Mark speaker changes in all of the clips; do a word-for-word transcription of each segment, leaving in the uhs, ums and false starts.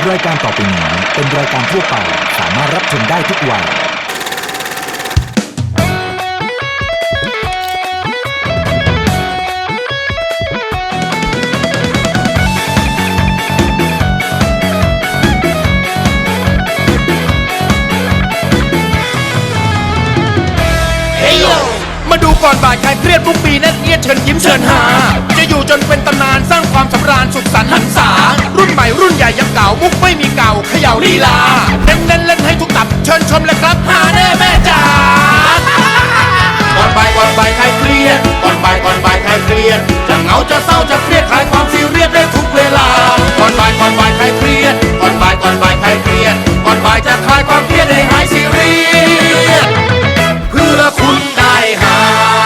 Speaker 1: รายการต่อไปนี้เป็นรายการทั่วไปสามารถรับชมได้ทุกวัย
Speaker 2: มาดูก่อนบ่ายใครเครียดทุกปีนั่นเอียดเชิญยิ้มเชิญหาจะอยู่จนเป็นตำนานสร้างความสำราญสุขสันต์หันษารุ่นใหม่รุ่นใหญ่ยังเก่ามุกไม่มีเก่าเขย่าลีลาเน้นเล่นเล่นให้ทุกตับเชิญชมเลยครับหาแน่แม่จ๋าก่อนบ่ายก่อนบ่ายใครเครียดก่อนบ่ายก่อนบ่ายใครเครียดจะเหงาจะเศร้าจะเครียดคลายความซีเรียสได้ทุกเวลาก่อนบ่ายก่อนบ่ายใครเครียดก่อนบ่ายก่อนบ่ายใครเครียดก่อนบ่ายจะคลายความเครียดให้หายซีเรียสเพื่อคุณได้หา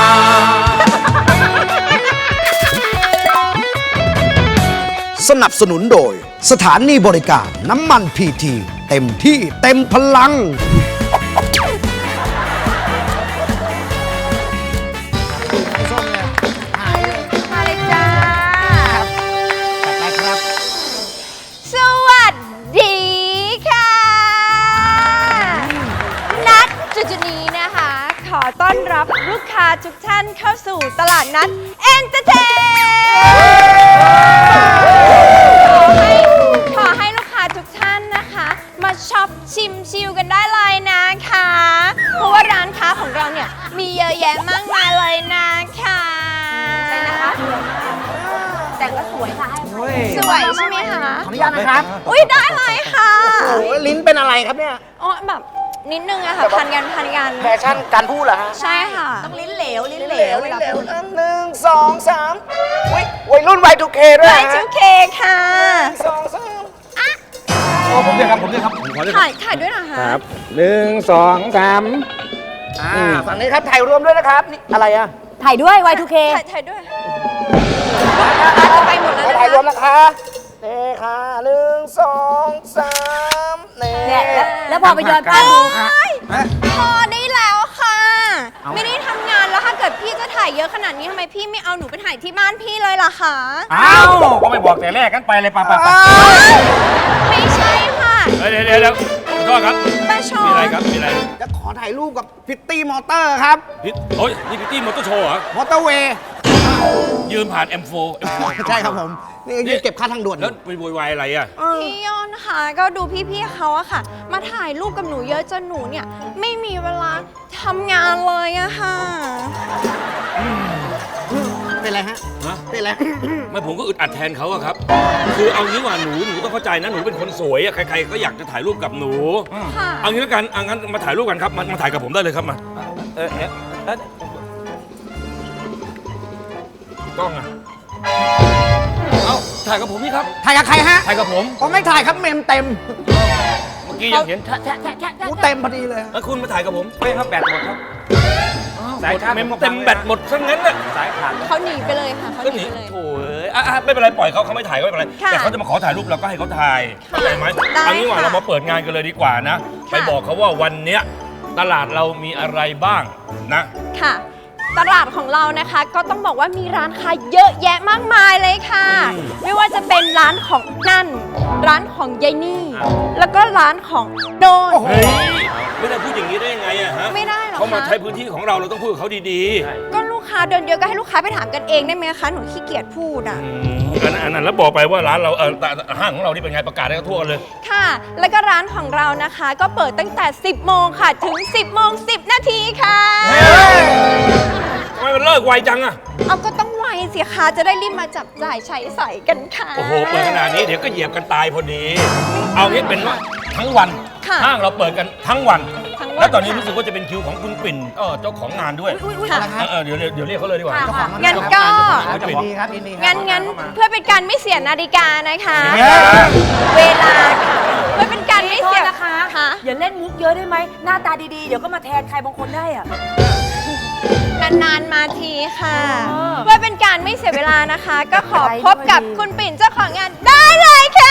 Speaker 3: สนับสนุนโดยสถานีบริการน้ำมันพีทีเต็มที่เต็มพลัง
Speaker 4: มาเลยจ้าสวัสดีค่ะนัดจุดๆนี้นะคะขอต้อนรับลูกค้าทุกท่านเข้าสู่ตลาดนัดเอนเตอร์เทนขอให้ลูกค้าทุกท่านนะคะมาช็อปชิมชิลกันได้เลยนะคะเพราะว่าร้านค้าของเราเนี่ยมีเยอะแยะมากมายเลยนะคะใช่นะคะแต่ก็สวยค่ะสวยใช่ไหมคะ
Speaker 3: ขออนุญาตนะครับ
Speaker 4: อุ้ยได้เลยค่ะ
Speaker 3: โอ้ลิ้นเป็นอะไรครับเนี่ย
Speaker 4: อ๋อแบบนิดนึงอะค่ะพันกันพันกัน
Speaker 3: แฟชั่นการพูดเหรอฮะ
Speaker 4: ใช่ค่ะ
Speaker 5: ต้องลิ้นเหลวลิ้นเหล
Speaker 3: เหล
Speaker 5: ว
Speaker 3: วเหลวหนึ่งสองสามอุ้ยวัยรุ่นวัยทูเคด้วย
Speaker 4: ไล
Speaker 3: ฮะ
Speaker 4: ท์จูเคค่ะ
Speaker 3: สองสาม
Speaker 6: โอ้ผมด้วยครับผมด้วยครับผมขอด้วย
Speaker 4: ถ่ายถ่ายด้วยนะคะ
Speaker 6: ครับหนึ่งสองสาม
Speaker 3: อ่าฝั่งนี้ครับถ่ายรวมด้วยนะครับนี่อะไรอ่ะ
Speaker 5: ถ่ายด้วย วาย ทู เค
Speaker 4: ถ่ายถ่ายด้วยอาจจะไปหมดแล้วนะ
Speaker 3: ถ่ายรวม
Speaker 4: คะ
Speaker 3: นะคะนี่ค่ะหนึ่งสองสามนี่
Speaker 5: เนี่ยแล้วแล้วพอไปย้อนภาพดู
Speaker 4: พอได้แล้วค่ะ ไม่ได้ทำงานแล้วถ้าเกิดพี่จะถ่ายเยอะขนาดนี้ทำไมพี่ไม่เอาหนูไปถ่ายที่บ้านพี่เลยล่ะคะ
Speaker 6: อ้าวก็ไม่บอกแต่แรกกันไปเลยป่ะป่ะป่ะ
Speaker 4: ไม่ใช่ค่ะ
Speaker 6: เดี๋ยวเดี๋ยวเดี๋ยวขอโทษครับ
Speaker 4: ป้าชอ
Speaker 6: มีอะไร
Speaker 4: น
Speaker 6: ครับมีอะไร
Speaker 3: จะขอถ่ายรูปกับพิตตี้มอเตอร์ครับ
Speaker 6: พิษโอ้ยนี่พิตตี้มอเตอร์โชว์เหรอ
Speaker 3: มอเตอร์เวย์
Speaker 6: ยืมผ่าน เอ็ม โฟร์
Speaker 3: ใช่ครับผม นี่ยืนเก็บค่าทางด่วนอ
Speaker 6: แล้ว
Speaker 3: ยู่
Speaker 6: ไปโวยวายอะไรอ่ะ
Speaker 4: พี่ยอนค่ะก็ดูพี่ๆเขาอะค่ะ มาถ่ายรูปกับหนูเยอะจนหนูเนี่ยไม่มีเวลาทำงานเลยอะค่ะ
Speaker 3: เป็นไรฮะ
Speaker 6: ฮะ
Speaker 3: เป็นไร
Speaker 6: ไม่ผมก็อึดอัดแทนเขาอะครับ คือเอางี้ว่าหนูหนูต้องเข้าใจนะหนูเป็นคนสวยอะใครๆก็อยากจะถ่ายรูปกับหนู
Speaker 4: ค่ะ
Speaker 6: เอางี้แล้วกันเอางั้นมาถ่ายรูปกันครับมามาถ่ายกับผมได้เลยครับมาเออเอ๊ะเอ๊ะกล้องอะเอาถ่ายกับผมนี่ครับ
Speaker 3: ถ่ายกับใครฮะ
Speaker 6: ถ่ายกับผม
Speaker 3: ผมไม่ถ่ายครับเมมเต็ม
Speaker 6: เมื่อกี้ยังเห็น
Speaker 3: กูเต็มพอดีเลย
Speaker 6: แล้วคุณมาถ่ายกับผมไม่ครับแบตหมดครับสายชาร์จเต็มเต็มแบตหมดซะงั้นน่ะสายขาด
Speaker 4: เขาหนีไปเลยค่ะเขา
Speaker 6: ก็
Speaker 4: ห
Speaker 6: ห
Speaker 4: นี
Speaker 6: นี
Speaker 4: ไปเลย
Speaker 6: โถ่เอ้ยอ่ะอ่ะไม่เป็นไรปล่อยเขาเขาไม่ถ่ายก็ไม่เป็นไร
Speaker 4: ค่ะ
Speaker 6: แต่เขาจะมาขอถ่ายรูปเราก็ให้เขาถ่ายเข้าใจไหม
Speaker 4: ได้
Speaker 6: เอางี้ว่า
Speaker 4: ค่ะ
Speaker 6: เรามาเปิดงานกันเลยดีกว่านะ
Speaker 4: ค่ะ
Speaker 6: ไปบอกเขาว่าวันเนี้ยตลาดเรามีอะไรบ้างนะ
Speaker 4: ค่ะ ตลาดของเรานะคะ ก็ต้องบอกว่ามีร้านค้าเยอะแยะมากมายเลยค่ะ
Speaker 6: อืม
Speaker 4: ไม่ว่าจะเป็นร้านของนั่น ร้านของยายนี่ แล้วก็ร้านของโนน
Speaker 6: เฮ้ยไม่ได้พูดอย่างนี้ได้ยังไงอะฮะ
Speaker 4: ไม่ได้หรอ
Speaker 6: เขามา
Speaker 4: คะ
Speaker 6: ใช้พื้นที่ของเราเราต้องพูดกับเขาดี
Speaker 4: ก็ลูกค้าเดินเยอะก็ให้ลูกค้าไปถามกันเองได้ไหมคะหนูขี้เกียจพูดอ่ะ
Speaker 6: ๆอืมอันนั้นอันนั้นแล้วบอกไปว่าร้านเราเออแต่ห้างของเรานี่เป็นไงประกาศให้เขาทั่วกันเลย
Speaker 4: ค่ะ แล้วก็ร้านของเรานะคะ ก็เปิดตั้งแต่ สิบโมงค่ะ ถึง สิบโมงสิบนาทีค่ะ
Speaker 6: ทำไมมันเลิกไวจังอะ
Speaker 4: เอาก็ต้องไวสิคะจะได้รีบมาจับจ่ายใช้สอยกันค่ะ
Speaker 6: โอ้โหเปิดขนาดนี้เดี๋ยวก็เหยียบกันตายพอดี เอางี้เป็นว่าทั้งวัน
Speaker 4: ค่ะ
Speaker 6: ห้างเราเปิดกันทั้งวัน
Speaker 4: ทั้งวัน
Speaker 6: แล้วตอนนี้
Speaker 4: ค่ะ
Speaker 6: รู้สึกว่าจะเป็นคิวของคุณปิ่นเออเจ้าของงานด้วย
Speaker 4: ค่ะ
Speaker 6: เออเออเดี๋ยวเดี๋ยวเดี๋ยวเรียกเขาเลยดีกว่า
Speaker 4: งั้นก็
Speaker 6: เจ้าของงาน
Speaker 3: ยิ
Speaker 6: ปิ่
Speaker 3: น
Speaker 6: น
Speaker 3: ดีครับยินดีครับ
Speaker 4: งั้นงั้นเพื่อเป็นการไม่เสียนาฬิกานะคะ
Speaker 6: เสียเวลา
Speaker 4: เวลาค่ะเพื่อเป็นการไม่เสีย
Speaker 5: โทษนะคะ
Speaker 4: ค่ะ
Speaker 5: อย่าเล่นมุกเยอะได้ไหม หน้าตาดีๆ เดี๋ยวก็มาแทนใครบางคนได้อะ
Speaker 4: นานๆมาทีค่ะ
Speaker 5: เออ
Speaker 4: เพื่อเป็นการไม่เสียเวลานะคะ ก็ขอ
Speaker 5: ไปด้วย
Speaker 4: พบกับคุณปิ่นเจ้าของงานได้เลยค่ะ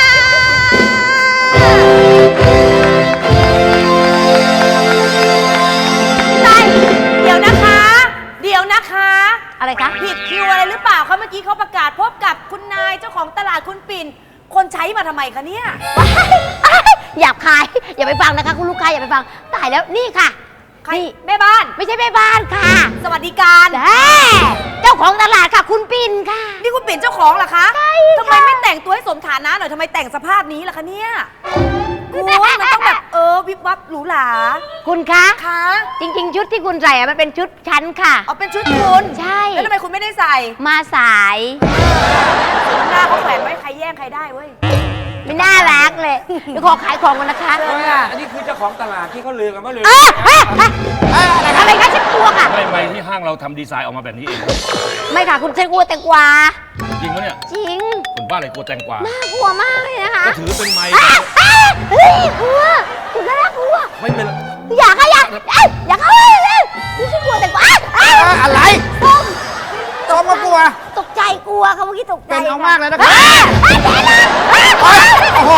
Speaker 5: ไรเดี๋ยวนะคะ เดี๋ยวนะคะ อะไรคะผิดคิวอะไรหรือเปล่าคะเมื่อกี้เขาประกาศพบกับคุณนายเจ้าของตลาดคุณปิ่นคนใช้มาทำไมคะเนี่ย
Speaker 7: หยาบคาย อย่าไปฟังนะคะคุณลูกค้าอย่าไปฟังตายแล้วนี่ค่ะ
Speaker 5: ใคร
Speaker 7: นี่
Speaker 5: แม่บ้าน
Speaker 7: ไม่ใช่แม่บ้านค่ะ
Speaker 5: สวัสดิการ
Speaker 7: แหมเจ้าของตลาดค่ะ คุณปิ่นค่ะ
Speaker 5: นี่คุณปิ่นเจ้าของเหรอคะ
Speaker 7: ใช่
Speaker 5: ทำไมไม่แต่งตัวให้สมฐานะหน่อยทำไมแต่งสภาพนี้ล่ะคะเนี่ยคุณมันต้องแบบเออวิบวับหรูหรา
Speaker 7: คุณคะ
Speaker 5: คะ
Speaker 7: จริง ๆ ชุดที่คุณใส่อะมันเป็นชุดชั้นค่ะ
Speaker 5: เอาเป็นชุดคุณ
Speaker 7: ใช่
Speaker 5: แล้วทำไมคุณไม่ได้ใส่
Speaker 7: มาสาย
Speaker 5: หน้าเขาแขวนไว้ใครแย่งใครได้เว้ย
Speaker 7: ไม่น่ารักเลยเดี๋ยวขอขายของกันนะคะ
Speaker 6: อันนี้คือเจ้าของตลาดที่เขาลือกันว่าลือ
Speaker 7: เอ้ยเอ้ยเอ้ยทำไมคะฉันกลัวค่ะ
Speaker 6: ไม่ไม่ที่ห้างเราทำดีไซน์ออกมาแบบนี้เอง
Speaker 7: ไม่ค่ะคุณฉันกลัวแตงกวา
Speaker 6: จริงปะเนี่ย
Speaker 7: จริง
Speaker 6: คนบ้าอะไรกลัวแตงกวา
Speaker 7: น่ากลัวมากเลยนะคะ
Speaker 6: ก็ถือเป็นไม้
Speaker 7: อ่ะอ่ะเฮ้ยกลัวคุณก็น่ากลัว
Speaker 6: ไม่เป็นไร
Speaker 7: อยากอะอยากเอ้ยอยากเข้าไปเลยนี่ฉันกลัวแตงกวาอ่ะอ่ะ
Speaker 3: อะไร
Speaker 7: ส้ม
Speaker 3: ส้มก็กลัว
Speaker 7: ตกใจกลัวค่ะเมื่อกี้ตกใจ
Speaker 3: เป็นเอามากเลยนะครับ
Speaker 7: อ่อ่อ่ะ
Speaker 3: โอ้โห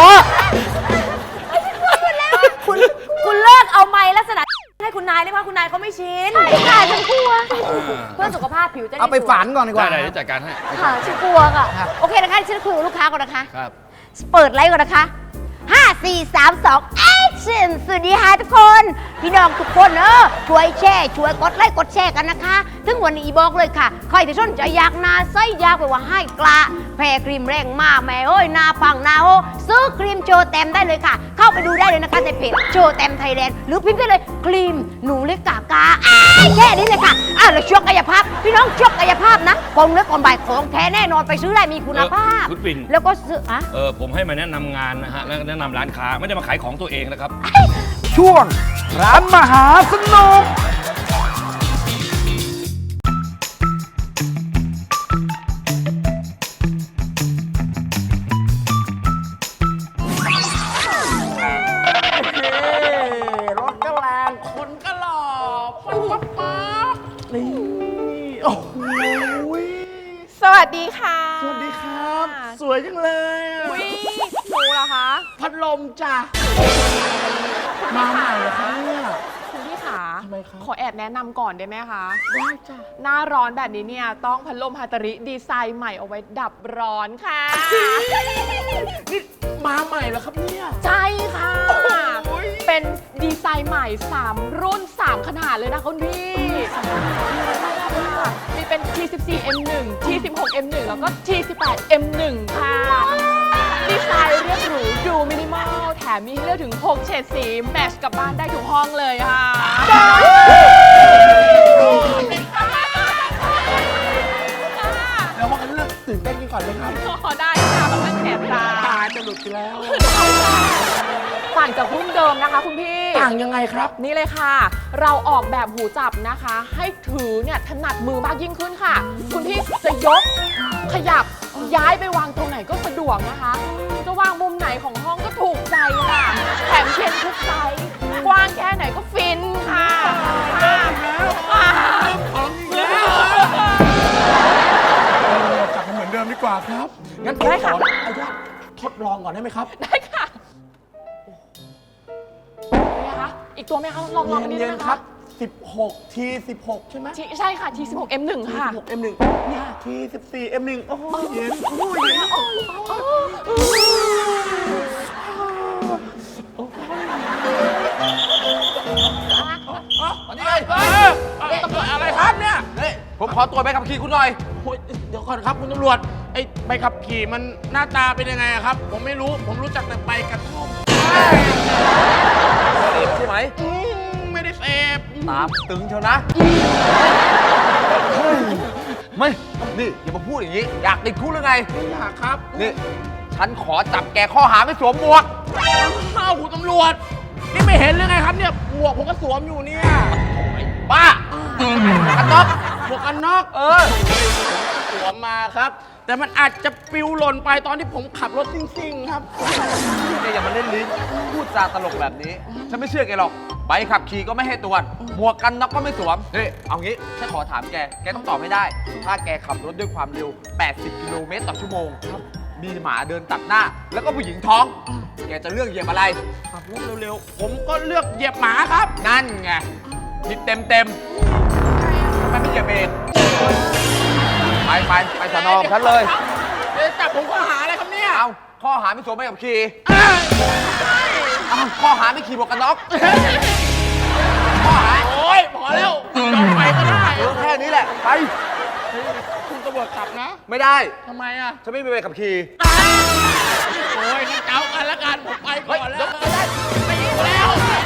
Speaker 5: คุณคุณเลิกเอาไม้ลักษณะให้คุณนายเลยเพราะคุณนายเขาไม่ชิน
Speaker 7: ใช่ค่ะฉันกลัว
Speaker 5: เพื่อสุขภาพผิวจะด้
Speaker 3: เอาไป
Speaker 5: สวย
Speaker 3: ฝันก่อนดีก
Speaker 6: ได้
Speaker 3: ว่า
Speaker 6: ได้เดี๋ยวจัดการให้
Speaker 7: ค่ะฉันกลัวค่ะ โอเคนะคะฉันคุยกับลูกค้าก่อนนะคะ
Speaker 6: ครับ
Speaker 7: เปิดไลฟ์ก่อนนะคะห้า สี่ สาม สอง action สวัสดีค่ะทุกคน พี่น้องทุกคนเออช่วยแชร์ช่วยกดไลค์กดแชร์กันนะคะถึงวันนี้บอกเลยค่ะ ใครที่สนใจอยากหนาไส้อยากไปว่าให้กละแพรครีมแรงมากแม่เอ้ยหนาปังหนาโอซื้อครีมโชว์เต็มได้เลยค่ะ เข้าไปดูได้เลยนะคะในเพจโชว์เต็มไทยแลนด์หรือพิมพ์ได้เลยครีมหนูเล็กกากาอ้ายแค่นี้เลยค่ะอ่ะแล้วช่วงกายภาพพี่น้องช่วงกายภาพนะกองเนื้อกองใบของแท้แน่นอนไปซื้อได้มีคุณภาพ
Speaker 6: เออคุณปิ่น
Speaker 7: แล้วก็ซื้ออะ
Speaker 6: เออผมให้มาแนะนำงานนะฮะแล้วแนะนำร้านค้าไม่ได้มาขายของตัวเองนะครับ
Speaker 3: ช่วง ร้านมหาสนุก
Speaker 8: รถก็แรงคนก็หล่อปั๊บปั๊บปั๊บนี่โอ้โห
Speaker 4: สวัสดีค่ะ
Speaker 8: สวัสดีครับ สวยจังเลยอะ
Speaker 4: อุ๊ยหนูเหรอคะ
Speaker 8: พัดลมจ้ะมาใหม่เหรอคะเนี่ย
Speaker 9: คุณพี่ขา
Speaker 8: ทำไมคะ
Speaker 9: ขอแอบแนะนำก่อนได้ไหมคะ
Speaker 8: ได้จ้ะ
Speaker 9: หน้าร้อนแบบนี้เนี่ย ต้องพัดลมฮาตาริดีไซน์ใหม่เอาไว้ดับร้อนค่ะ
Speaker 8: นี่มาใหม่เหรอครับเนี่ย
Speaker 9: ใช่ค่ะ
Speaker 8: โอ้ย
Speaker 9: เป็นดีไซน์ใหม่ สาม รุ่น สาม ขนาดเลยนะคุณพี่ มีเป็น ที สิบสี่ เอ็ม หนึ่ง ที สิบหก เอ็ม หนึ่ง แล้วก็ ที สิบแปด เอ็ม หนึ่ง ค่ะ ดีไซน์เรียบหรูดูมินิมอล แถมมีให้เลือกถึง หก เฉดสี แมทช์กับบ้านได้ทุกห้องเลยค่ะ
Speaker 8: แล้วมากันเรื่องตื่นเต้นกันก่อนเลยครับ
Speaker 9: พอได้ค่ะมันแสบตา
Speaker 8: ตาจะหลุดไปแล้ว
Speaker 9: ต่างจากรุ่นเดิมนะคะคุณพี่
Speaker 8: ต่างยังไงครับ
Speaker 9: นี่เลยค่ะ เราออกแบบหูจับนะคะ ให้ถือเนี่ยถนัดมือมากยิ่งขึ้นค่ะ คุณพี่จะยกขยับย้ายไปวางตรงไหนก็สะดวกนะคะ จะวางมุมไหนของห้องก็ถูกใจค่ะ แถมเชนทุกไซส์กว้างแค่ไหนก็ฟินค่ะค่ะ
Speaker 8: กลับมาเหมือนเดิมดีกว่าครับ งั้นผมขออนุญาตทดลองก่อนได้ไหมครับ
Speaker 9: ได้ค่ะเป็นไงคะอีกตัวไหมคะลองลองอันนี้
Speaker 8: เย็
Speaker 9: ได้
Speaker 8: น
Speaker 9: ไหม
Speaker 8: ๆครั
Speaker 9: คะ
Speaker 8: บ สิบหก ที สิบหก ใช่ไหม
Speaker 9: ทีใช่ค่ะ ที สิบหก เอ็ม หนึ่ง ค่ะ
Speaker 8: สิบหก เอ็ม หนึ่ง เนี่ย ที สิบสี่ เอ็ม หนึ่ง โอ้โหเย็นโอ้โหเย็น
Speaker 2: อะไรครับเนี่ยผมขอตัวจใบขับขี่คุณหน่อย
Speaker 8: โอ้ยเดี๋ยวก่อนครับคุณตำรวจ ไอ้ใบขับขี่มันหน้าตาเป็นยังไงอะครับ ผมไม่รู้ ผมรู้จักแต่ใบกระท่อม
Speaker 2: เสพใช่ไหม
Speaker 8: อืมไม่ได้เสพ
Speaker 2: ตามตึงเชียวนะ ไม่ นี่อย่ามาพูดอย่างนี้ อยากติดคุกหรือไง
Speaker 8: ไม่อยากครับ
Speaker 2: นี่ ฉันขอจับแกข้อหาไม่สวมหมวก
Speaker 8: อ้าวคุณตำรวจ นี่ไม่เห็นเลยไงครับเนี่ย หมวกผมก็สวมอยู่เนี่ย
Speaker 2: บ้ากันน็อก
Speaker 8: หมวกกันน็อก
Speaker 2: เออ
Speaker 8: สวมมาครับ แต่มันอาจจะปลิวหล่นไปตอนที่ผมขับรถซิ่งๆครับ
Speaker 2: แกอย่ามาเล่นลิ้น พูดจาตลกแบบนี้ ฉันไม่เชื่อแกหรอก ใบขับขี่ก็ไม่ให้ตรวจ หมวกกันน็อกก็ไม่สวม เฮ้ย เอางี้ ฉันขอถามแก แกต้องตอบให้ได้ ถ้าแกขับรถด้วยความเร็ว แปดสิบ กิโลเมตรต่อชั่วโมง มีหมาเดินตัดหน้า แล้วก็ผู้หญิงท้อง แกจะเลือกเหยียบอะไร
Speaker 8: ขับรถเร็วๆ ผมก็เลือกเหยียบหมาครับ
Speaker 2: นั่นไงผิดเต็มเต็มๆทำไมไม่เหยียบเบรกไปไปไปสนองฉันเลย
Speaker 8: เอ๊ะจับผมข้อหาอะไรครับเนี่ย
Speaker 2: เอาข้อ
Speaker 10: ข้อหาไม่สวมใบขับขี่อ้าวข้อหาไม่ขี่หมวกกันน็อกข้อหา
Speaker 8: โอ้ยพอแล้วยอมไปก็ได้
Speaker 10: เออแค่นี้แหละ ไป
Speaker 8: คุณตำรวจจับนะ
Speaker 10: ไม่ได้
Speaker 8: ทำไมอ่ะ
Speaker 10: ฉันไม่มีใบขับขี่
Speaker 8: โอ้ยงั้นเจ้ากันละกันผมไปก่อนแล้วไปอยู่แล้ว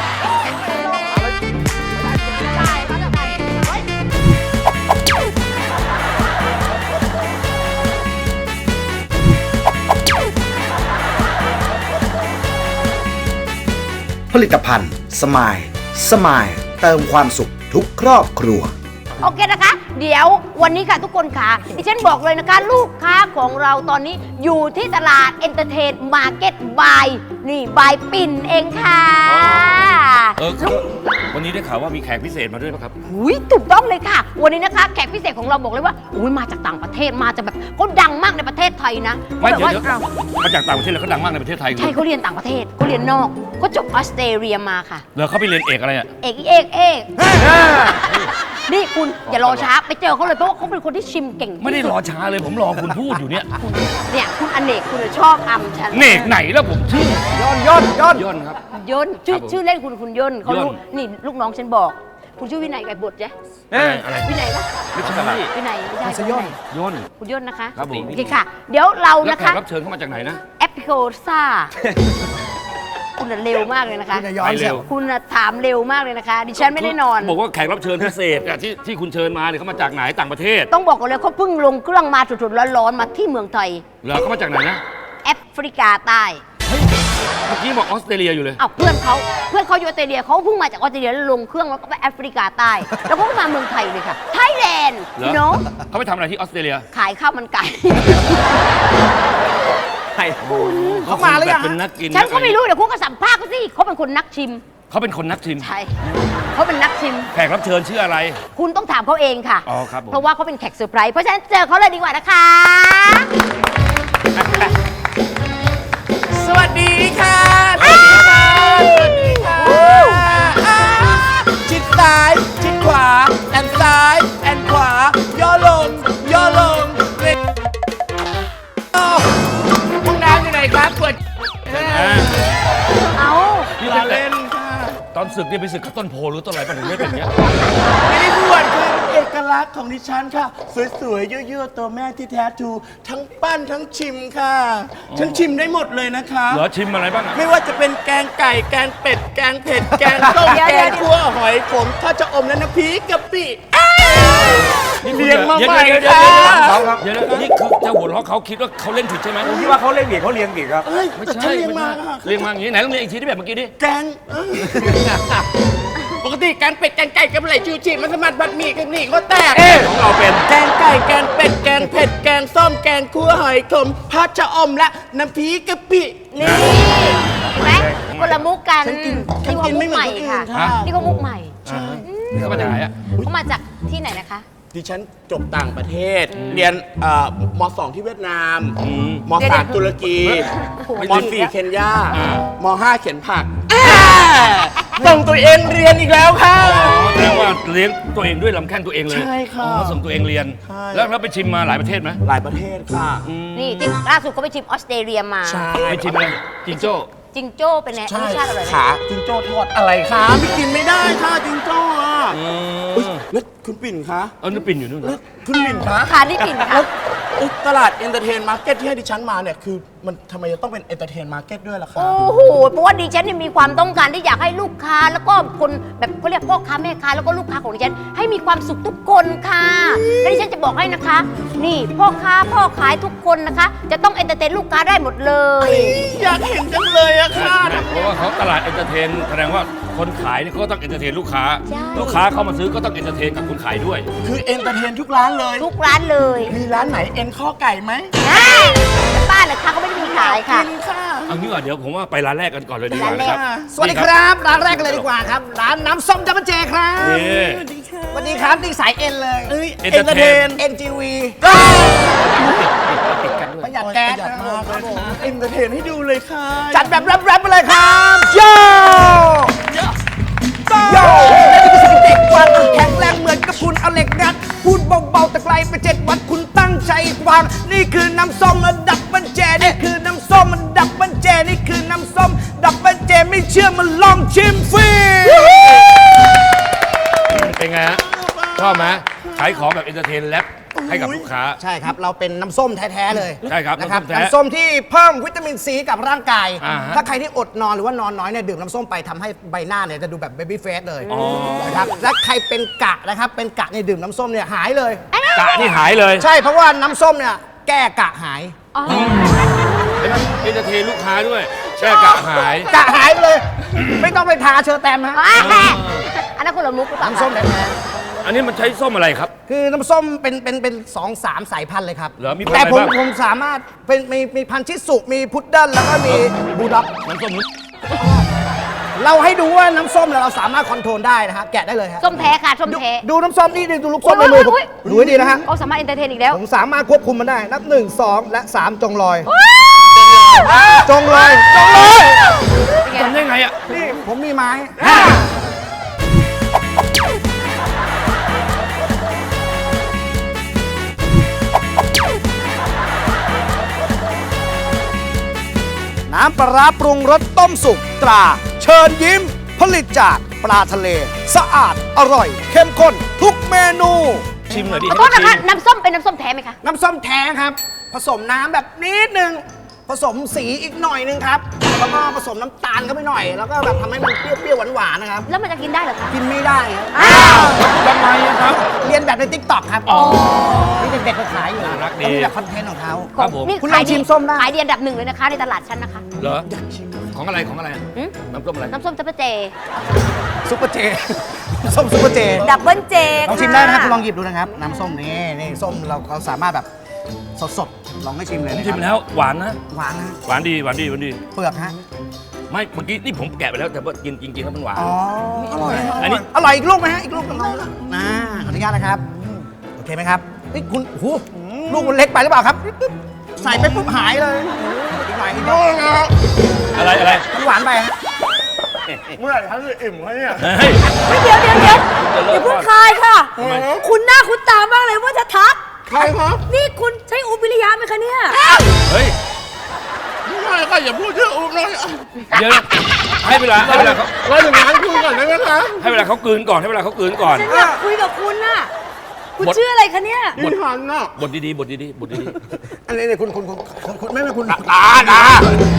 Speaker 3: ผลิตภัณฑ์สมายสมายเติมความสุขทุกครอบครัว
Speaker 7: โอเคนะคะ เดี๋ยววันนี้ค่ะทุกคนค่ะดิฉันบอกเลยนะคะ ลูกค้าของเราตอนนี้อยู่ที่ตลาดเอนเตอร์เทนมาร์เก็ตบายนี่บายปิ่นเองค่ะ
Speaker 6: เออครับวันนี้ได้ข่าวว่ามีแขกพิเศษมาด้วยป่ะครับ
Speaker 7: หุยถูกต้องเลยค่ะ วันนี้นะคะแขกพิเศษของเราบอกเลยว่าอุ้ยมาจากต่างประเทศมาจากแบบเขาดังมากในประเทศไทยนะ
Speaker 6: ไม่
Speaker 7: ขา
Speaker 6: เดี๋ยว
Speaker 7: แบบ
Speaker 6: เดี๋ยว
Speaker 7: ว่า
Speaker 6: มาจากต่างประเทศแล้วเขาดังมากในประเทศไทย
Speaker 7: ใช่เขาเรียนต่างประเทศเขาเรียนนอกเขาจบออสเตรเลียมาค่ะ
Speaker 6: เหรอเขาไปเรียนเอกอะไรอ่ะ
Speaker 7: เอกเอกเอกนี่คุณอย่ารอช้าไปเจอเขาเลยเพราะว่าเขาเป็นคนที่ชิมเก่งที่สุ
Speaker 6: ไม่ได้รอช้าเลยผมรอคุณพูดอยู่เนี่ย
Speaker 7: เนี่ยคุณอเนกคุณชอบอำฉัน
Speaker 6: เนกไหนแล้วผมชื่อย่
Speaker 10: นย่นย่น
Speaker 6: ย่นครับ
Speaker 7: ย่นชื่อ
Speaker 6: ครับผม
Speaker 7: ชื่อเล่นคุณคุณย่นเขารู้
Speaker 6: ย่น
Speaker 7: นี่ลูกน้องฉันบอก คุณชื่อวินัยไก่บดใช่
Speaker 6: อะไรอะไร
Speaker 7: วินัยปะ
Speaker 6: ไม่ใช่
Speaker 7: วินัยไม่ใช่
Speaker 3: ไม่ใช่ย่น
Speaker 6: ย่น
Speaker 7: คุณย่นนะคะ
Speaker 6: ครับผม
Speaker 7: โอเคค่ะ เดี๋ยวเรา
Speaker 6: แล้ว
Speaker 7: นะ
Speaker 6: แข
Speaker 7: คะ
Speaker 6: กรับเชิญเข้ามาจากไหนนะ
Speaker 7: แอปพิโคซ่าคุณน่ะเร็วมากเลยนะคะ
Speaker 3: คุณน่ะย้อนเสียว
Speaker 7: คุณน่ะถามเร็วมากเลยนะคะ ดิฉันไม่ได้นอน
Speaker 6: บอกว่าแขกรับเชิญพิเศษอะที่ที่คุณเชิญมาเนี่ยเขามาจากไหนต่างประเทศ
Speaker 7: ต้องบอกก่อนเลยเขาเพิ่งลงเครื่องมาสดๆร้อนๆมาที่เมืองไทย
Speaker 6: เหรอเขามาจากไหนนะ
Speaker 7: แอฟริกาใต้
Speaker 6: เมื่อกี้บอกออสเตรเลียอยู่เลย
Speaker 7: อ้าวเพื่อนเขาเพื่อนเขาอยู่ออสเตรเลียเขาเพิ่งมาจากออสเตรเลียแล้วลงเครื่องแล้วก็ไปแอฟริกาใต้ แล้วก็มาเมืองไทยเลยค่ะไทยแลนด์
Speaker 6: เหรอ
Speaker 7: เนาะ
Speaker 6: เขาไปทำอะไรที่ออสเตรเลีย
Speaker 7: ขายข้าวมันไก่
Speaker 6: เขามาหรือยังเป็นนักกิน
Speaker 7: ฉันก็ไม่รู้เดี๋ยวคุณก็สัมภาษณ์เขาสิเขาเป็นคนนักชิม
Speaker 6: เขาเป็นคนนักชิม
Speaker 7: ใช่เขาเป็นนักชิม
Speaker 6: แขกรับเชิญชื่ออะไร
Speaker 7: คุณต้องถามเขาเองค่ะ
Speaker 6: อ๋อครับผม
Speaker 7: เพราะว่าเขาเป็นแขกเซอร์ไพรส์เพราะฉะนั้นเจอเขาเลยดีกว่านะคะ
Speaker 8: สวัสดีค่ะ สวัสดีค่ะ สวัสดีค่ะอ่าชิดซ้าย ชิดขวา แอนซ้าย แอนขวา ย่อลง ย่อลงเล็กอ้าวห้องน้ำอยู่ไหนครับเปิด
Speaker 6: อ่า
Speaker 7: เอา
Speaker 6: นี่ตั้งแต่ตอนศึกเนี่ยไปศึกกับต้นโพหรือต้นอะไรป่ะถึงได้เป็นอย่างเงี้ย
Speaker 8: ไม่ได้บวชคือเอกลักษณ์ของดิฉันค่ะ สวยๆเยอะๆตัวแม่ที่แท้ทรูทั้งปั้นทั้งชิมค่ะ ฉันชิมได้หมดเลยนะคะ
Speaker 6: เหรอชิมอะไรบ้างอะ
Speaker 8: ไม่ว่าจะเป็นแกงไก่ แกงเป็ด แกงเผ็ด แกงส้ม แกงคั่วหอยขมถ้าจะอมและน้ำพริกกะปิเรียนมาใหม่
Speaker 6: เดี๋ยวเดี๋ยว
Speaker 8: ค่ะ
Speaker 6: เดี๋ยวเดี๋ยวเดี๋ยวนี่คือเจ้าหัวเราะเขาคิดว่าเขาเล่นผิดใช่ไหม
Speaker 10: ผมคิดว่าเขาเล่นผิดเขาเลี้ยงผิดครับ
Speaker 8: เอ้ย
Speaker 6: ไม่
Speaker 8: แต่
Speaker 6: ใช่
Speaker 8: ฉันเรียนมา
Speaker 6: ไม่
Speaker 8: ค่ะ
Speaker 6: ใช่เรียงมาอย่างนี้ไหนต้องเรียงอีกทีที่แบบเมื่อกี้ดิ
Speaker 8: แกงเอ้ยปกติแกงเป็ด แกงไก่แกงไหลชิวจิมันสมัดบัดหมี่กันหนี่ก็แตก
Speaker 6: ของเราเป็น
Speaker 8: แกงไก่ แกงเป็ด แกงเผ็ด แกงส้ม แกงคั่วหอยขมผัดชะอมและน้ำพริกกะปิ
Speaker 7: นี่เห็นไหมคนละมุกกัน
Speaker 8: ฉันกินฉั
Speaker 7: นี่
Speaker 8: น
Speaker 7: เขา
Speaker 8: กิน
Speaker 7: มุ
Speaker 8: ไม่
Speaker 7: ก
Speaker 8: เหมื
Speaker 7: ให
Speaker 8: อน
Speaker 7: ม่
Speaker 8: คนอื่น
Speaker 7: ค่ะ
Speaker 8: ค่ะ
Speaker 7: นี่เขามุกใหม่
Speaker 6: นี่เขามาจากไหนอะ
Speaker 7: เขามาจากที่ไหนนะคะ
Speaker 8: ดิฉันจบต่างประเทศ เรียนเอ่อมสองที่เวียดนาม ม
Speaker 7: เดี๋ยว
Speaker 8: สามตุรกี
Speaker 6: ไม่
Speaker 8: ม
Speaker 6: ถึง
Speaker 8: สี่เคนยา
Speaker 6: อ่า
Speaker 8: มห้าเขียนผักส่งตัวเองเรียนอีกแล้วค่ะ
Speaker 6: อ๋อแสดงว่าเลี้ยงตัวเองด้วยลำแข้งตัวเองเลย
Speaker 8: ใช่ค่ะ
Speaker 6: อ๋อส่งตัวเองเรียน
Speaker 8: ใช่
Speaker 6: แล้วเราไปชิมมาหลายประเทศไหม
Speaker 8: หลายประเทศค่ะ
Speaker 7: นี่ที่ล่าสุดเขาไปชิมออสเตรเลียมา
Speaker 8: ใช่
Speaker 6: ไปชิมอะไรจิงโจ้
Speaker 7: จิงโจ้เป็นไงรสชาติอร่อยไหม
Speaker 8: ขาจิงโจ้ทอดอะไรคะไม่กินไม่ได้ค่ะจิงโจ้อะ
Speaker 6: อื
Speaker 8: เอ้ย
Speaker 6: ม
Speaker 8: แล้วคุณปิ่นคะ
Speaker 6: เออนึกปิ่นอยู่นู่น
Speaker 8: แล้ว
Speaker 6: นะ
Speaker 8: คุณปิ่นคะ
Speaker 7: ค่ะนี่ปิ่นค่ะ
Speaker 8: แล้วเอ้ยตลาดเอนเตอร์เทนมาร์เก็ตที่ให้ดิฉันมาเนี่ยคือมันทำไมจะต้องเป็นเอนเตอร์เทนมาร์เก็ตด้วยล่ะคะ
Speaker 7: โอ้โห เพราะว่าดิฉันเนี่ยมีความต้องการที่อยากให้ลูกค้าแล้วก็คนแบบเขาเรียกพ่อค้าแม่ค้าแล้วก็ลูกค้าของดิฉันให้มีความสุขทุกคนค่ะ และดิฉันจะบอกให้นะคะ นี่พ่อค้าพ่อขายทุกคนนะคะ จะต้องเอนเตอร์เทนลูกค้าได้หมดเลย
Speaker 8: อยากเห็นจังเลยอะค่ะ
Speaker 6: เพราะว่าเขาตลาดเอนเตอร์เทนแสดงว่าคนขายนี่เขาก็ต้องเอนเตอร์เทนลูกค้า
Speaker 7: ใช่
Speaker 6: ลูกค้าเข้ามาซื้อก็ต้องเอนเตอร์เทนกับคนขายด้วย
Speaker 8: คือเอนเตอร์เทนทุกร้านเลย
Speaker 7: ทุกร้านเลย
Speaker 8: มีร้านไหนเอ็นข้อไก่ไหม
Speaker 7: นะแต่ป้าเหรอคะเขาไม่ได้มีขายค่ะ
Speaker 8: กินค่ะ
Speaker 6: เอางี้ว่าเดี๋ยวผมว่าไปร้านแรกกันก่อนเลยดีกว่า
Speaker 7: ร้านแร
Speaker 6: นะ
Speaker 7: ก
Speaker 6: ครับ
Speaker 3: สวัสดีครับ ร้านแรกกันเลยดีกว่าครับ ร้านน้ำส้มจัมเบอร์เจครับ
Speaker 6: นี่
Speaker 3: สวัสดีครับนี่สายเอ็นเลย
Speaker 8: เอ้ย
Speaker 6: เอ็
Speaker 8: เอน
Speaker 6: น
Speaker 8: เต
Speaker 6: เต
Speaker 8: อ
Speaker 6: อร์
Speaker 8: ร์เท
Speaker 6: เท
Speaker 8: น
Speaker 6: น
Speaker 3: เอ็นจีวี ประหยัดแก๊ส
Speaker 8: ประหยัด
Speaker 3: นะค
Speaker 8: มาก
Speaker 3: รับ
Speaker 8: เลย
Speaker 3: ผม
Speaker 8: ค่ะเอนเตอร์เทนให้ดูเลยค่ะ
Speaker 3: จัดแบบแรปๆไปเลยครับโยโย่และนี่คือสถิติความแข็งแรงเหมือนกับคุณเอาเหล็กงัดพูดเบาๆแต่ไกลไปเจ็ดวันคุณตั้งใจฟังนี่คือน้ำส้มระดับบันเจนี่คือน้ำำส้มมันดับเบิลเจนี่คือน้ำส้มดับเบิลเจไม่เชื่อมันลองชิมฟรี
Speaker 6: เป็นไงฮะชอบไหมขายของแบบเอนเตอร์เทนแรปให้กับลูกค้า
Speaker 3: ใช่ครับ เราเป็นน้ำส้มแท้ๆเลย
Speaker 6: ใช่ครับ
Speaker 3: นะครับ
Speaker 6: น้ำส้มแท้
Speaker 3: น้ำส้มที่เพิ่มวิตามินซีกับร่างกาย
Speaker 6: อ่าฮะ
Speaker 3: ถ้าใครที่อดนอนหรือว่านอนน้อยเนี่ยดื่มน้ำส้มไปทำให้ใบหน้าเนี่ยจะดูแบบเบบี้เฟสเลย
Speaker 6: อ๋อ
Speaker 3: นะครับและใครเป็นกะนะครับเป็นกะเนี่ยดื่มน้ำส้มเนี่ยหายเลย
Speaker 6: กะนี่หายเลย
Speaker 3: ใช่เพราะว่าน้ำส้มเนี่ยแก้กะหาย
Speaker 6: เอนเตอร์เทนลูกค้าด้วยแก้กะหาย
Speaker 3: กะหายไปเลย ไม่ต้องไปทาเชอร์แตมฮะ
Speaker 7: อันนั้นคนละมุกหรือเปล่า
Speaker 3: น้ำส้มแท้
Speaker 6: อันนี้มันใช้ส้มอะไรครับ
Speaker 3: ๆคือน้ำส้มเป็นเป็นเป็นสองสามสายพันธุ์เลยครับ
Speaker 6: เหรอมีพันธุ์
Speaker 3: แต่ผม
Speaker 6: อะไรบ้าง
Speaker 3: ผมสามารถเป็นมีมีพันธุ์ชิสุมีพุดเดิ้ลแล้วก็มีบูลด็อก
Speaker 6: น้ำส้มนุ้
Speaker 3: เราให้ดูว่าน้ำส้มเนี่ยเราสามารถคอนโทรลได้นะฮะแกะได้เลยครับ
Speaker 7: ส้มแท้ค่ะส้มแท้
Speaker 3: ดูน้ำส้มนี่ดูลูกส้มในมือผม
Speaker 7: อุ๊ย
Speaker 3: ดูให้ดีนะฮะ
Speaker 7: เขาสามารถเอนเตอร์เทนอีกแล้ว
Speaker 3: ผมสามารถควบคุมมันได้ นับหนึ่งสองและสามจงลอย จงลอย จงลอย
Speaker 6: ทำได้ไงอ่ะ
Speaker 3: นี่ผมมีไม้ น้ำปลาร้าปรุงรสต้มสุกตรา เชิญยิ้ม ผลิตจากปลาทะเล สะอาดอร่อย เข้มข้นทุกเมนู
Speaker 6: ชิมหน่อยดิ
Speaker 7: ขอโทษนะคะ น้ำส้มเป็นน้ำส้มแท้ไหมคะ
Speaker 3: น้ำส้มแท้ครับ ผสมน้ำแบบนิดนึง ผสมสีอีกหน่อยนึงครับ แล้วก็ผสมน้ำตาลเข้าไปหน่อย แล้วก็แบบทำให้มันเปรี้ยวๆหวานๆนะครับ
Speaker 7: แล้วมันจะกินได้เหรอคะ
Speaker 3: กินไม่ได้ครับ
Speaker 7: อ้าว
Speaker 6: ทำไมอะครับ
Speaker 3: เรียนแบบในทิกตอกครับนี่เด็กๆเขาขายอยู่
Speaker 6: น่ารักดี
Speaker 3: เขามีแบบคอนเทนต์ของเขา
Speaker 6: ครับผม
Speaker 7: นี่
Speaker 3: คุณลองชิมส้มได้
Speaker 7: ขายดีอันดับหนึ่งเลยนะคะ ในตลาดชั้นนะคะ
Speaker 6: เหรอของอะไรของอะไรอะ
Speaker 7: หืม
Speaker 6: น้ำส้มอะไร
Speaker 7: น้ำส้มจัปเจ
Speaker 3: ซุปเปอร์เจ ส้มซุปเปอร์เจ
Speaker 5: ดับเบิลเจ
Speaker 3: ลองชิมได้นะครับคุณลองหยิบดูนะครับ น้ำส้มนี่นี่ส้มเราเราสามารถแบบสดๆ ลองให้ชิมเลย
Speaker 6: ผม
Speaker 3: นะค
Speaker 6: ชิ
Speaker 3: รับ
Speaker 6: มแล้วหวานนะ
Speaker 3: หวานนะ
Speaker 6: หวานดีหวานดีหวานดี
Speaker 3: เปลือกฮะ
Speaker 6: ไม่เมื่อกี้นี่ผมแกะไปแล้วแต่ว่ากินจริงๆแล้วมันหวาน
Speaker 3: อ๋อ อร่อย
Speaker 6: อันนี้
Speaker 3: อร่อยอีกลูกไหมฮะ อีกลูกหนึ่งลองนะขออนุญาตนะครับ โอเคไหมครับนี่คุณโอ้โหลูกมันเล็กไปหรือเปล่าครับ ใส่ไปปุ๊บหายเลยอีกหน่อยอีกหน่อย
Speaker 6: อะไรอะไร
Speaker 3: มันหวานไปฮะ
Speaker 10: เมื่อไหร่ฉันจะอิ่มคะเนี่ย
Speaker 6: เฮ้ย
Speaker 5: เดี๋ยวเดี๋ยวเดี๋ยว
Speaker 6: จะเลิ
Speaker 5: อย่าก เพิ่ง
Speaker 6: ก่อน
Speaker 5: คายค่ะ
Speaker 6: ทำไม
Speaker 5: คุณหน้าคุณตามากเลยว่าจะทัก
Speaker 10: ใครครับ
Speaker 5: นี่คุณใช้อุปวิริยะไหมคะเนี่ย
Speaker 6: เฮ้ย
Speaker 10: ไม่ใช่ค่ะอย่าพูดชื่ออุ้มเลย
Speaker 6: เดี๋ยวนะให้เวลาให้เวลาเขา
Speaker 10: เราถึงงานคุยก่อนได้ไหมคะ
Speaker 6: ให้เวลาเขากลืนก่อนให้เวลาเขากลืนก่อน
Speaker 5: ฉันอยากคุยกับคุณน่ะ คุณ
Speaker 6: บท
Speaker 5: ชื่ออะไรคะเนี่ย
Speaker 10: พี่หันน่ะ
Speaker 6: บทดีๆบทดีๆบทดี
Speaker 3: อันนี้เนี่ยคุณคุณคุณคุณคุณไม่ไม่คุณ
Speaker 6: ๆตาตา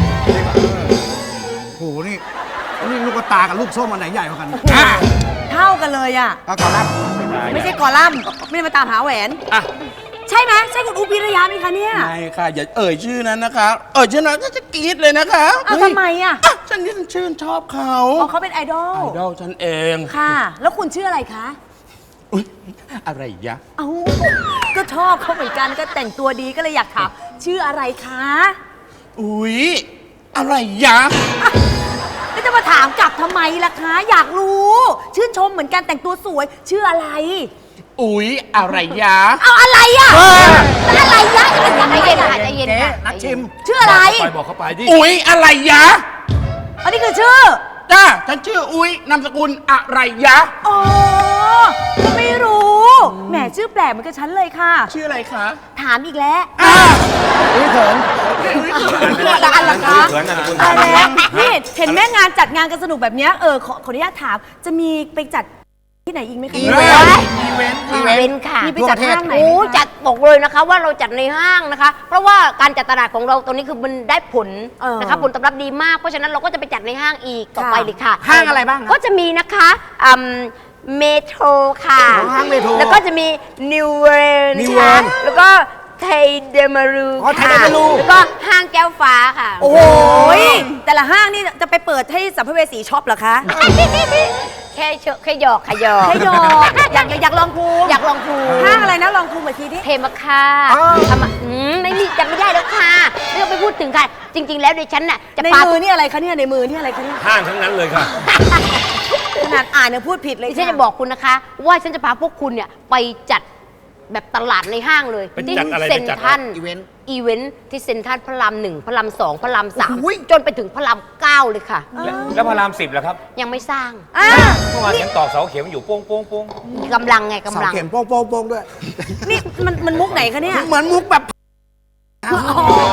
Speaker 3: โอ้โหนี่นี่ลูกตากับลูกส้มอันไหนใหญ่กว่ากัน
Speaker 5: เท่ากันเลยอ่ะ
Speaker 3: ก็ก่อนรับ
Speaker 5: ไม่ใช่กอลัมน์ไม่ได้มาตามหาแหวน
Speaker 6: อ่ะ
Speaker 5: ใช่ไหมใช่คุณอุปวิริยะไหมคะเนี่ย
Speaker 10: ไม่ค่ะ อย่าเอ่ยชื่อนั้นนะคะ เอ่ยชื่อนั้นก็จะกรี๊ดเลยนะคะ
Speaker 5: เอาทำไมอ่ะ
Speaker 10: อ่ะฉันนี่ฉันชื่นชอบเขา
Speaker 5: อ๋อเขาเป็นไอดอล
Speaker 10: ไอดอลฉันเอง
Speaker 5: ค่ะ แล้วคุณชื่ออะไรคะ
Speaker 10: อุ๊ยอะไรยะ
Speaker 5: เอ้าก็ชอบเขาเหมือนกันก็แต่งตัวดีก็เลยอยากถามชื่ออะไรคะ
Speaker 10: อุ๊ยอะไรยะ
Speaker 5: ก็จะมาถามกลับทำไมล่ะคะ อยากรู้ ชื่นชมเหมือนกันแต่งตัวสวย ชื่ออะไร
Speaker 10: อุ๊ยอะไรยะ
Speaker 5: เอาอะไรอ่ะแล้วอะไรยะอะไร
Speaker 7: ใจ
Speaker 5: ยะ
Speaker 7: เย็นค่ะใจเย็น
Speaker 3: เจ๊
Speaker 7: ค่ะ
Speaker 3: นักชิม
Speaker 5: ชื่ออะไร
Speaker 6: ไปบอกเขาไปดิ
Speaker 10: อุ๊ยอะไรยะ
Speaker 5: อันนี้คือชื่อ
Speaker 10: จ้าฉันชื่ออุ๊ยนามสกุลอะไรยะ
Speaker 5: อ๋อก็ไม่รู้ แหมชื่อแปลกเหมือนกับฉันเลยค่ะ
Speaker 10: ชื่ออะไรคะ
Speaker 5: ถามอีกแล้ว
Speaker 3: อุ้ยเขิน
Speaker 5: ละอันละคะ
Speaker 6: เขินนะคุณ
Speaker 5: ตายแล้วนี่เห็นแม่งานจัดงานกันสนุกแบบเนี้ยเออขอขออนุญาตถาม จะมีไปจัดที่ไหนอีกไหมคะ
Speaker 3: อีเวนต์
Speaker 10: อีเวนต์
Speaker 7: อีเวนต์ค่ะ
Speaker 5: มีไปจัดห้างไหน
Speaker 7: โอ้จัดบอกเลยนะคะว่าเราจัดในห้างนะคะ เพราะว่าการจัดตลาดของเราตอนนี้คือมันได้ผล
Speaker 5: เออ
Speaker 7: นะคะผลตอบรับดีมากเพราะฉะนั้นเราก็จะไปจัดในห้างอีกต่อไปเลยค่ะ
Speaker 3: ห้างอะไรบ้างครับ
Speaker 7: ก็จะมีนะคะอืมเมโทรค่ะ
Speaker 3: อ๋อห้างเมโทร
Speaker 7: แล้วก็จะมีนิวเวิร์น
Speaker 3: New World
Speaker 7: แล้วก็ไทยเดมารู
Speaker 3: อ๋อไทย
Speaker 7: ค่ะ
Speaker 3: เดมารู
Speaker 7: แล้วก็ห้างแก้วฟ้าค่ะ
Speaker 5: โอ้โหยแต่ละห้างนี่จะไปเปิดให้สัมภเวสีช็อปเหรอคะ
Speaker 7: แค่เชแค่หยอกค่ะหยอก
Speaker 5: ให้ดอกอยากอยากอยากลองภูมิ
Speaker 7: อยากลองภูมิ
Speaker 5: ห้างอะไรนะลองภูมิอีกทีดิ
Speaker 7: เทมค่ะทำมาอืมไม่มีจำไม่ได้แล้วค่ะไม่ต้องไปพูดถึงค่ะ จริง ๆ แล้วดิฉันน่ะจะ
Speaker 5: ใน
Speaker 7: ปา
Speaker 5: มือนี่อะไรคะเนี่ยในมือนี่อะไรคะเนี่ย
Speaker 6: ห้างทั้งนั้นเลยค่ะ
Speaker 5: ขนาดอ่านยังพูดผิดเลย
Speaker 7: ดิฉันจะบอกคุณนะคะ ว่าฉันจะพาพวกคุณเนี่ยไปจัดแบบตลาดในห้างเลย
Speaker 6: ไป
Speaker 7: ที่
Speaker 6: จัดอะไร
Speaker 7: เซ็น
Speaker 6: ไปจัด
Speaker 7: ทรัล
Speaker 3: อีเวนต์
Speaker 7: อีเวนต์ที่เซ็นทรัลพระรามหนึ่งพระรามสองพระรามสามจนไปถึงพระรามเก้าเลยค่ะ
Speaker 6: แล้วแล้วพระรามสิบล่ะครับ
Speaker 7: ยังไม่สร้าง
Speaker 5: อ่า
Speaker 6: เมื่อวานยังต่อเสาเข็มอยู่โป้งโป้งโป้ง
Speaker 7: กำลังไงกำ
Speaker 3: เสา
Speaker 7: ลัง
Speaker 3: เข็มโป้งโป้งโป้งด้วย
Speaker 5: นี่มันมันมุกไหนคะเนี่ย
Speaker 3: เหมือนมุกแบบ
Speaker 5: ไป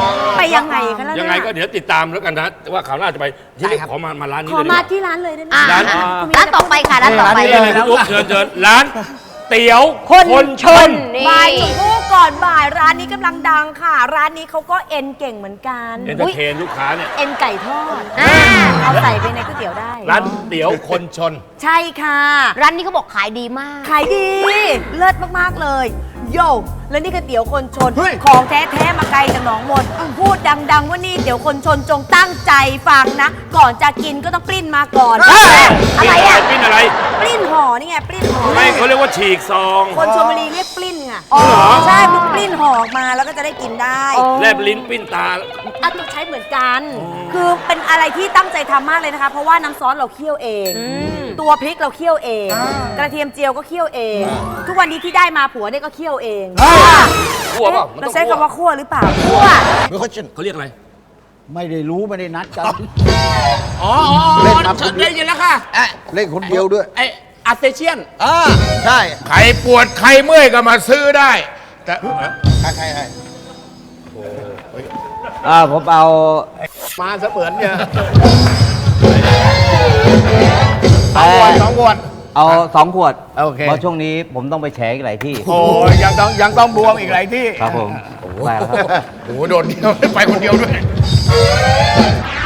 Speaker 5: ยังไงกันแล้ว
Speaker 6: ยังไงก็เดี๋ยวติดตามแล้วกันนะว่าข่าวหน้าจะไปที่นี่ขอมามาร้านนี้
Speaker 5: ขอ
Speaker 6: เลยดีก
Speaker 5: มา
Speaker 6: ว่า
Speaker 5: ที่ร้านเลยได้ไหม
Speaker 7: อ่า
Speaker 6: ร้าน
Speaker 7: ร้านต่อไปค่ะร้านต่อไป
Speaker 6: นี่เลยคุณอุ๊บเชิญเชิญร้านเตี๋ยว
Speaker 7: คนชนนี่
Speaker 5: บ่ายชมพู่ก่อนบ่ายร้านนี้กำลังดังค่ะ ร้านนี้เขาก็เอ็นเก่งเหมือนกัน
Speaker 6: เอนเตอร์เทนลูกค้าเนี่ย
Speaker 5: เอ็นไก่ทอด
Speaker 7: อ่า
Speaker 5: เอาใส่ไปในก๋วยเตี๋ยวได้
Speaker 6: ร้านเตี๋ยวคนชน
Speaker 5: ใช่ค่ะ
Speaker 7: ร้านนี้เขาบอกขายดีมาก
Speaker 5: ขายดี เลิศมาก ๆ เลย โย่แล้วนี่ก๋วยเตี๋ยวคนชน
Speaker 3: เฮ้ย
Speaker 5: ของแท้ ๆ มาไกลจากหนองมนพูดดัง ๆ ว่านี่เตี๋ยวคนชนจงตั้งใจฟังนะ ก่อนจะกินก็ต้องปริ้นมาก่อน
Speaker 7: อะไรอ่ะ
Speaker 6: ปิ้นอะไร
Speaker 5: ปริ้นห่อนี่ไงปริ้นห่อ
Speaker 6: ไม่เขาเรียกว่าฉีกซอง
Speaker 5: คนชลบุรีเรียกปลิ้นไง
Speaker 6: อ๋อเหรอ
Speaker 5: ใช่มันปลิ้นห่อออกมาแล้วก็จะได้กินได้
Speaker 6: แลบลิ้นปิ้นตา
Speaker 5: อ่ะต้องใช้เหมือนกัน คือเป็นอะไรที่ตั้งใจทำมากเลยนะคะ เพราะว่าน้ำซอสเราเคี่ยวเอง ตัวพริกเราเคี่ยวเอง กระเทียมเจียวก็เคี่ยวเอง ทุกวันนี้ที่ได้มาผัวเนี่ยก็เคี่ยวเอง
Speaker 6: คั่วเปล่ามัน
Speaker 5: เรา
Speaker 6: ต้อง
Speaker 5: ใช้
Speaker 6: คั่ว
Speaker 5: คำว่าคั่วหรือเปล่าคั่ว
Speaker 6: เขาเรียกอะไร
Speaker 11: ไม่ได้รู้ไม่ได้นัดกัน
Speaker 10: อ๋ออ๋อ
Speaker 11: เล่น
Speaker 10: อ๋อ
Speaker 11: มาคนเดียว
Speaker 10: ได้ยินแล้วค่ะเอ๊ะ
Speaker 11: เล่นคนเดียวด้วย
Speaker 10: ไออาเซเชียน
Speaker 11: อ่าใช่
Speaker 2: ใครปวดใครเมื่อยก็มาซื้อได้ แต่
Speaker 11: ใครใครใคร
Speaker 12: อ่าผมเอา
Speaker 2: มาเสมือนเนี่ย
Speaker 12: เอ่อ
Speaker 2: สองขวด
Speaker 12: เอาสองขวด
Speaker 2: โอเค
Speaker 12: เพราะช่วงนี้ผมต้องไปแฉอีกหลายที่
Speaker 2: โอ้ยยังต้องยังต้องบวมอีกหลายที่
Speaker 12: ครับผมไปแล้วครับ
Speaker 2: โอ้โหโดดเดียวไปคนเดียวด้วย